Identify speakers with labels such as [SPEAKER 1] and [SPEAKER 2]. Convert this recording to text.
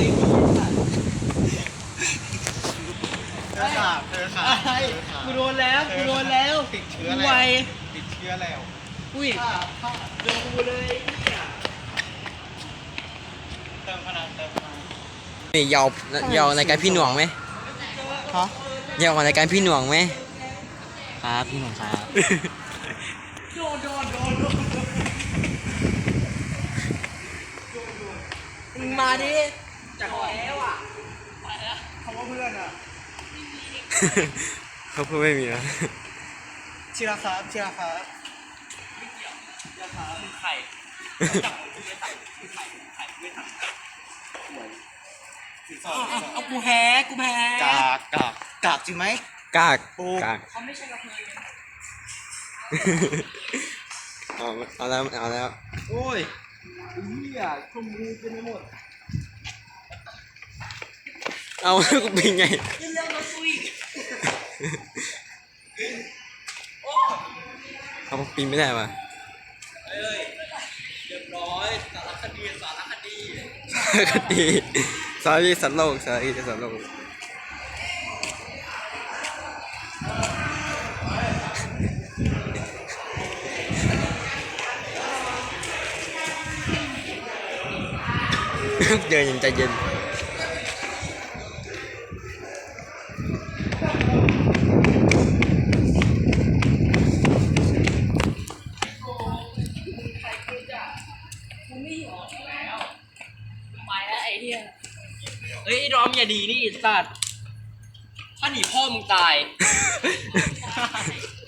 [SPEAKER 1] เธอขากูโดนแล้ว
[SPEAKER 2] ติดเชื้อ
[SPEAKER 1] ไว
[SPEAKER 2] แล้วติดเชื้อแล้ว
[SPEAKER 1] อุ้ยโดนกูเลยเนี่ย
[SPEAKER 2] เติมพลัง
[SPEAKER 3] นี่ยาวในการพี่หน่วงไหม
[SPEAKER 2] ฮะ
[SPEAKER 3] ยาวในการพี่หน่วงไหม
[SPEAKER 1] ครับพี่หนุ่มครับโดนมึงมาดิจากแล้วอ่ะเขาว่าเพื่อนอ่ะ
[SPEAKER 3] เขาพูดไม่มีนะ
[SPEAKER 2] ชิราครับ
[SPEAKER 1] ราคาเป็นไข่จับมือไข่ไม่ทันเอากูแพ้
[SPEAKER 2] กากจริงไหม
[SPEAKER 3] กาก
[SPEAKER 2] ปู
[SPEAKER 3] กาก
[SPEAKER 1] เขาไม่ใช่กระเทย
[SPEAKER 3] เอาแล้ว
[SPEAKER 2] โอ้ยเหี้ยชมพูเป็นไปหมด
[SPEAKER 3] เอาแล้วกูเป็นไง
[SPEAKER 1] ยังเรื่องรถกูอีก
[SPEAKER 3] เขาปีนไม่ได้ป่ะ
[SPEAKER 1] เอ้ยเรียบร้อยสารคดี
[SPEAKER 3] คดีสารสัตว์โลกเดินยังใจเย็น
[SPEAKER 1] ไปแล้วไอ้เหี้ยเฮ้ยไอ้ดอมอย่าดีนี่สัตว์ถ้าหนีพ่อมึงตาย